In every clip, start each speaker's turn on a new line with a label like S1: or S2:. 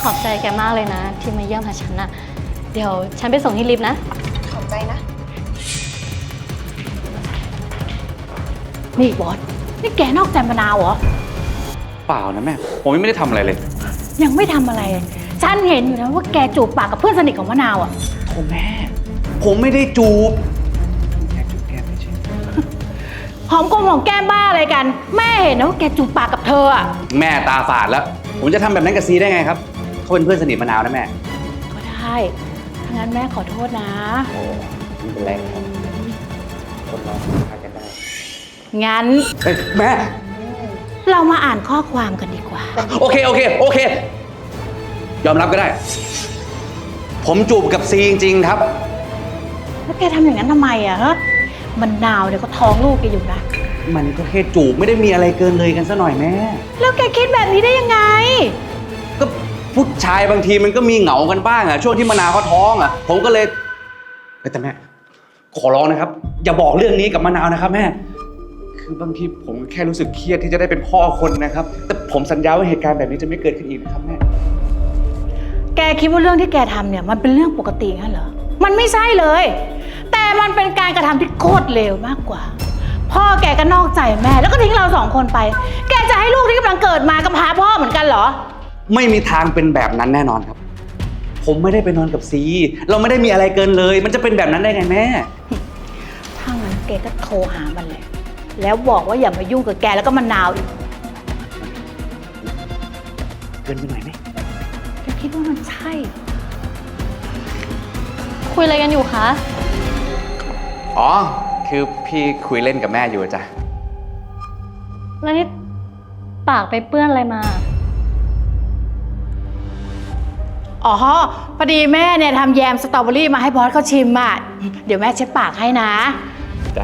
S1: ขอบใจแกมากเลยนะที่มาเยี่ยมหาฉันนะเดี๋ยวฉันไปส่งที่ลิฟต์นะ
S2: ขอบใจนะ
S3: นี่บอสนี่แกนอกใจมะนาวเหรอ
S4: เปล่านะแม่ผมยังไม่ได้ทำอะไรเลย
S3: ยังไม่ทำอะไรฉันเห็นอยู่นะว่าแกจูบปากกับเพื่อนสนิทของมะนาวอ่ะ
S4: โธ่แม่ผมไม่ได้จูบแค่จูบแก้มเฉย
S3: หอมกลมหอมแก้มบ้าอะไรกันแม่เห็นนะว่าแกจูบปากกับเธออ่ะ
S4: แม่ตาฝาดแล้วผมจะทำแบบนั้นกับซีได้ไงครับเขาเป็นเพื่อนสนิทมะนาวนะแม่
S3: ก็ได้ถ้างั้นแม่ขอโทษนะ
S4: โอ้ไม่เป็นไรครับคนเราพากันได้
S3: งั้น
S4: แม่
S3: เรามาอ่านข้อความกันดีกว่า
S4: โอเคยอมรับก็ได้ผมจูบกับซีจริงๆครับ
S3: แล้วแกทำอย่างนั้นทำไมอะฮะมะนาวเนี่ยก็ท้องลูกแกอยู่นะ
S4: มันก็แค่จูบไม่ได้มีอะไรเกินเลยกันซะหน่อยแม่
S3: แล้วแกคิดแบบนี้ได้ยังไง
S4: ก็ผู้ชายบางทีมันก็มีเหงากันบ้างอะช่วงที่มะนาวเขาท้องอะผมก็เลยแต่แม่ขอร้องนะครับอย่าบอกเรื่องนี้กับมะนาวนะครับแม่คือบางทีผมแค่รู้สึกเครียดที่จะได้เป็นพ่อคนนะครับแต่ผมสัญญาว่าเหตุการณ์แบบนี้จะไม่เกิดขึ้นอีกนะครับแม่
S3: แกคิดว่าเรื่องที่แกทำเนี่ยมันเป็นเรื่องปกติงั้นเหรอมันไม่ใช่เลยแต่มันเป็นการกระทำที่โคตรเลวมากกว่าพ่อแกก็นอกใจแม่แล้วก็ทิ้งเราสองคนไปแกจะให้ลูกที่กำลังเกิดมากำพร้าพ่อเหมือนกันเหรอ
S4: ไม่มีทางเป็นแบบนั้นแน่นอนครับผมไม่ได้ไปนอนกับซีเราไม่ได้มีอะไรเกินเลยมันจะเป็นแบบนั้นได้ไงแม่
S3: ถ้างั้นแกก็โทรหามันเลยแล้วบอกว่าอย่ามายุ่งกับแกแล้วก็มะนาวอีก
S4: เกินไปหน่อยไหม
S3: แกคิดว่ามันใช่
S1: คุยอะไรกันอยู่คะ
S4: อ๋อคือพี่คุยเล่นกับแม่อยู่จ้ะ
S1: แล้วนี่ปากไปเปื้อนอะไรมา
S3: อ๋อพอดีแม่เนี่ยทำแยมสตรอเบอรี่มาให้บอสเขาชิมอ่ะเดี๋ยวแม่เช็ดปากให้นะ
S4: จ้ะ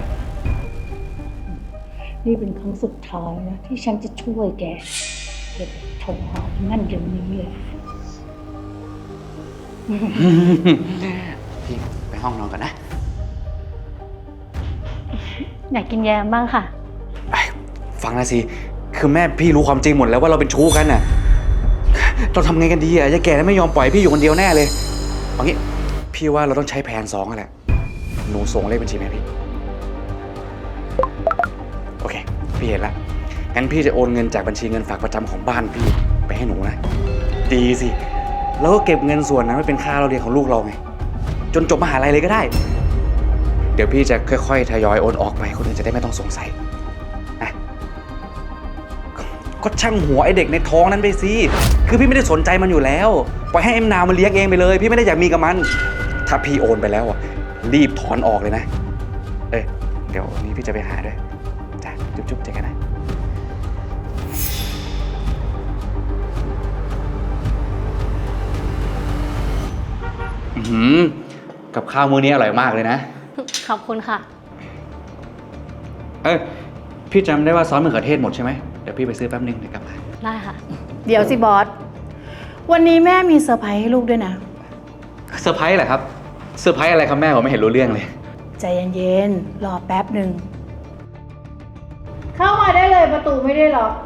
S3: นี่เป็นครั้งสุดท้ายนะที่ฉันจะช่วยแกเก็บโถหอมนั่นเดี๋ยวนี้เลย
S4: พี่ไปห้องนอนก่อนนะ
S1: อยากกินแยมบ้างค่ะ
S4: ฟังนะสิคือแม่พี่รู้ความจริงหมดแล้วว่าเราเป็นชู้กันน่ะเราทำไงกันดีอ่ะยายแก่ไม่ยอมปล่อยพี่อยู่คนเดียวแน่เลยเอางี้พี่ว่าเราต้องใช้แผน2แหละหนูส่งเลขบัญชีแม่พี่โอเคพี่เห็นละงั้นพี่จะโอนเงินจากบัญชีเงินฝากประจำของบ้านพี่ไปให้หนูนะดีสิแล้วก็เก็บเงินส่วนนั้นไว้เป็นค่าเราเรียนของลูกเราไงจนจบมหาลัยเลยก็ได้เดี๋ยวพี่จะค่อยๆทยอยโอนออกไปคนอื่นจะได้ไม่ต้องสงสัยนะก็ช่างหัวไอเด็กในท้องนั้นไปสิคือพี่ไม่ได้สนใจมันอยู่แล้วปล่อยให้เอ็มนาวมันเลี้ยงเองไปเลยพี่ไม่ได้อยากมีกับมันถ้าพี่โอนไปแล้วอ่ะรีบถอนออกเลยนะเดี๋ยววันนี้พี่จะไปหาด้วยจ้ะจุ๊บๆเจอกันนะกับข้าวมื้อนี้อร่อยมากเลยนะ
S1: ขอบคุณค่ะ
S4: พี่จำได้ว่าซอสมะเขือเทศหมดใช่ไหมเดี๋ยวพี่ไปซื้อแป๊บนึงเดี๋ยวกลับมา
S1: ได้ค่ะ
S3: เดี๋ยวสิบอสวันนี้แม่มีเซอร์ไพรส์ให้ลูกด้วยนะ
S4: เซอร์ไพรส์เหรอครับเซอร์ไพรส์อะไรครับแม่ผมไม่เห็นรู้เรื่องเลย
S3: ใจเย็นๆรอแป๊บหนึ่งเข้ามาได้เลยประตูไม่ได้ล็อก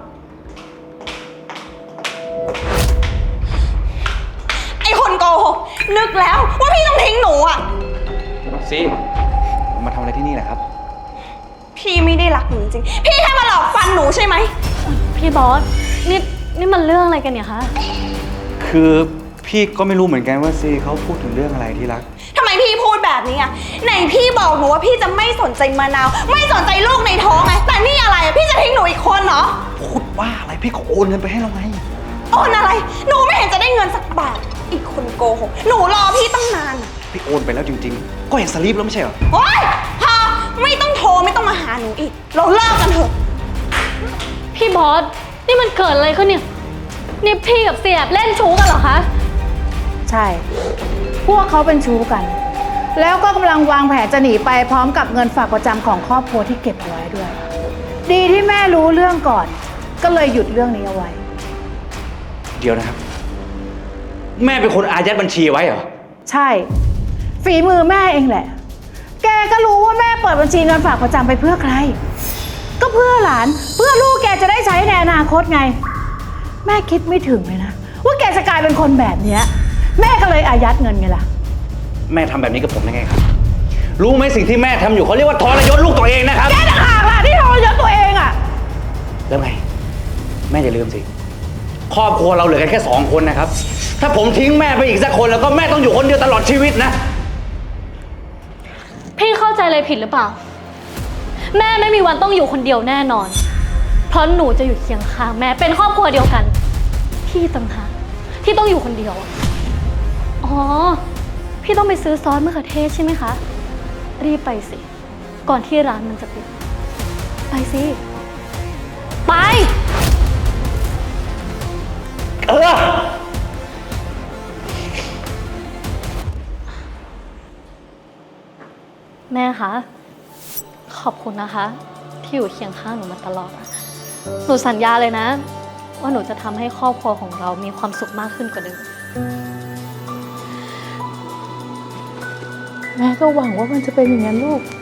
S2: ไอ้คนโกหกนึกแล้วว่าพี่ต้องทิ้งหนูอ่ะ
S4: ซีมาทำอะไรที่นี่แหละครับ
S2: พี่ไม่ได้รักหนูจริงพี่แค่มาหลอกฟันหนูใช่ไหม
S1: พี่บอสนี่มันเรื่องอะไรกันเนี่ยคะ
S4: คือพี่ก็ไม่รู้เหมือนกันว่าซีเขาพูดถึงเรื่องอะไรที่รัก
S2: ทำไมพี่พูดแบบนี้อ่ะไหนพี่บอกหนูว่าพี่จะไม่สนใจมะนาวไม่สนใจลูกในท้องไงแต่นี่อะไรพี่จะทิ้งหนูอีกคนเหรอ
S4: พูดว่าอะไรพี่ก็โอนเงินไปให้เราไง
S2: โอนอะไรหนูไม่เห็นจะได้เงินสักบาทอีกคนโกหกหนูรอพี่ตั้งนาน
S4: พี่โอนไปแล้วจริงๆก็เห็นสลิปแล้วไม่ใช่เหรอ
S2: โอ๊ยพอไม่ต้องโทรไม่ต้องมาหาหนูอีกเราเลิกกันเถอะ
S1: พี่บอสนี่มันเกิดอะไรขึ้นเนี่ยนี่พี่กับเสียบเล่นชู้กันเหรอคะ
S3: ใช่พวกเขาเป็นชู้กันแล้วก็กำลังวางแผนจะหนีไปพร้อมกับเงินฝากประจำของครอบครัวที่เก็บเอาไว้ด้วยดีที่แม่รู้เรื่องก่อนก็เลยหยุดเรื่องนี้เอาไว้
S4: เดี๋ยวนะครับแม่เป็นคนอายัดบัญชีไว้เหรอ
S3: ใช่ฝีมือแม่เองแหละแกก็รู้ว่าแม่เปิดบัญชีเงินฝากประจำไปเพื่อใครก็เพื่อหลานเพื่อลูกแกจะได้ใช้ในอนาคตไงแม่คิดไม่ถึงเลยนะว่าแกจะกลายเป็นคนแบบเนี้ยแม่ก็เลยอายัดเงินไงล่ะ
S4: แม่ทำแบบนี้กับผมได้ไงครับ รู้ไหมสิ่งที่แม่ทำอยู่เขาเรียกว่าทรยศลูกตัวเองนะครับ
S3: แกต่างหากล่ะที่ทรยศตัวเองอ่ะ
S4: แล้วไง แม่อย่าลืมสิ ครอบครัวเราเหลือกันแค่2 คนนะครับ ถ้าผมทิ้งแม่ไปอีกสักคนแล้วก็แม่ต้องอยู่คนเดียวตลอดชีวิตนะ
S1: พี่เข้าใจอะไรผิดหรือเปล่า แม่ไม่มีวันต้องอยู่คนเดียวแน่นอน เพราะหนูจะอยู่เคียงข้างแม่เป็นครอบครัวเดียวกัน พี่ต่างหากที่ต้องอยู่คนเดียวอะอ๋อ พี่ต้องไปซื้อซอสมะเขือเทศใช่ไหมคะ รีบไปสิ ก่อนที่ร้านมันจะปิด ไปสิ ไป
S4: เออ
S1: แม่คะ ขอบคุณนะคะ ที่อยู่เคียงข้างหนูมาตลอดอะหนูสัญญาเลยนะ ว่าหนูจะทำให้ครอบครัวของเรามีความสุขมากขึ้นกว่าเดิม
S3: แม่ก็หวังว่ามันจะเป็นอย่างนั้นลูก